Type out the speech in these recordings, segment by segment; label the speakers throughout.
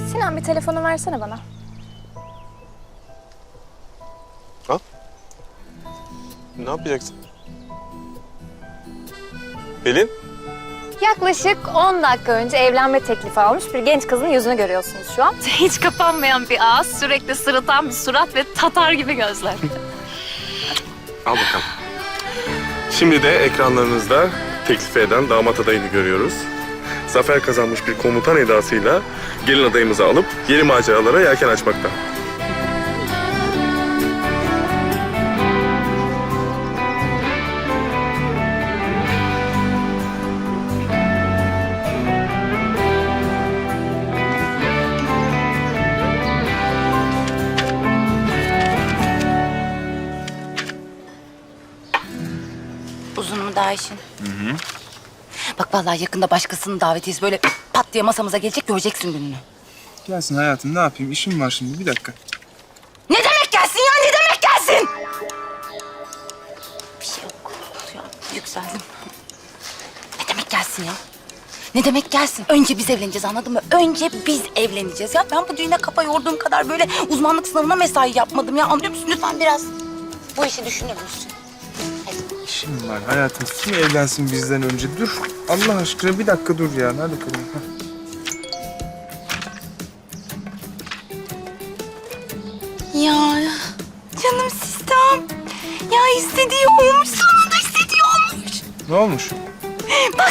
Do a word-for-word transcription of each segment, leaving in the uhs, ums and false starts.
Speaker 1: Sinan bir telefonu versene bana.
Speaker 2: Al. Ne yapacaksın? Pelin?
Speaker 1: Yaklaşık on dakika önce evlenme teklifi almış bir genç kızın yüzünü görüyorsunuz şu an. Hiç kapanmayan bir ağız, sürekli sırıtan bir surat ve tatar gibi gözler.
Speaker 2: Al bakalım. Şimdi de ekranlarınızda teklif eden damat adayını görüyoruz. Zafer kazanmış bir komutan edasıyla gelin adayımızı alıp yeni maceralara yelken açmakta.
Speaker 3: Uzun mu daha işin? Hı hı. Bak vallahi yakında başkasının davetiyesi böyle pat diye masamıza gelecek, göreceksin gününü.
Speaker 4: Gelsin hayatım, ne yapayım? İşim var şimdi, bir dakika.
Speaker 3: Ne demek gelsin ya, ne demek gelsin? Bir şey yok. Ya, yükseldim. Ne demek gelsin ya? Ne demek gelsin? Önce biz evleneceğiz, anladın mı? Önce biz evleneceğiz ya. Ben bu düğüne kafa yorduğum kadar böyle uzmanlık sınavına mesai yapmadım ya. Anlıyor musun? Lütfen biraz bu işi düşünür müsün?
Speaker 4: İşim var hayatım. Kim evlensin bizden önce? Dur. Allah aşkına bir dakika dur ya. Hadi bakalım. Hah.
Speaker 3: Ya canım sistem. Ya istediği olmuş, sonunda istediği olmuş.
Speaker 4: Ne olmuş?
Speaker 3: Bak.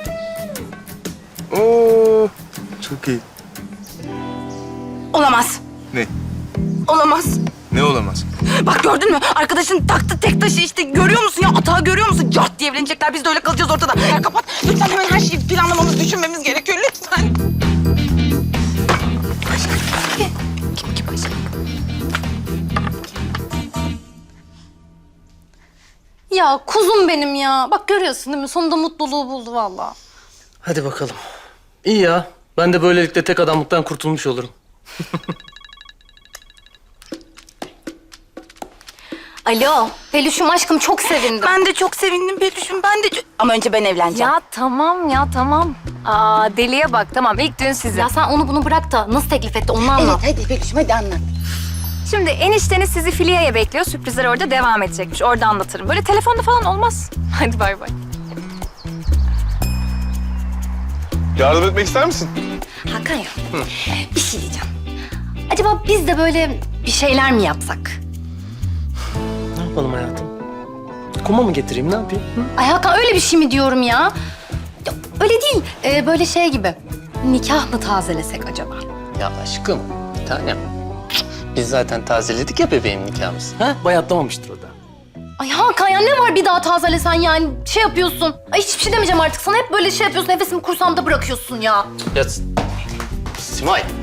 Speaker 4: Oo, çok iyi.
Speaker 3: Olamaz.
Speaker 4: Ne?
Speaker 3: Olamaz.
Speaker 4: Ne olamaz?
Speaker 3: Bak gördün mü? Arkadaşın taktı tek taşı işte. Görüyor musun ya? Atağı görüyor musun? Cart diye evlenecekler. Biz de öyle kalacağız ortada. Ya kapat. Lütfen hemen her şeyi planlamamız, düşünmemiz gerekiyor. Lütfen. Kim kim Ayşe?
Speaker 5: Ya kuzum benim ya. Bak görüyorsun değil mi? Sonunda mutluluğu buldu vallahi.
Speaker 6: Hadi bakalım. İyi ya. Ben de böylelikle tek adamlıktan kurtulmuş olurum.
Speaker 5: Alo. Peluşum aşkım çok sevindim.
Speaker 3: Ben de çok sevindim Peluş'um. Ben de çok... Ama önce ben evleneceğim.
Speaker 1: Ya tamam ya tamam. Aa deliye bak tamam ilk düğün sizin.
Speaker 5: Ya sen onu bunu bırak da nasıl teklif etti onu anlat.
Speaker 3: Evet hadi Peluş'um hadi anlat.
Speaker 1: Şimdi enişteniz sizi Filiye'ye bekliyor. Sürprizler orada devam edecekmiş. Orada anlatırım. Böyle telefonda falan olmaz. Hadi bay bay.
Speaker 2: Yardım etmek ister misin?
Speaker 5: Hakan ya. Bir şey diyeceğim. Acaba biz de böyle bir şeyler mi yapsak?
Speaker 6: Ne yapalım hayatım? Kuma mı getireyim, ne yapayım? Hı?
Speaker 5: Ay Hakan öyle bir şey mi diyorum ya? Ya öyle değil. Ee, böyle şey gibi. Nikah mı tazelesek acaba?
Speaker 6: Ya aşkım, bir tanem. Biz zaten tazeledik ya bebeğim nikahımızı. Ha? Bayatlamamıştır o da.
Speaker 5: Ay Hakan ya ne var bir daha tazelesen yani şey yapıyorsun. Ay hiçbir şey demeyeceğim artık sana. Hep böyle şey yapıyorsun. Nefesimi kursağımda bırakıyorsun ya.
Speaker 6: Ya Simay,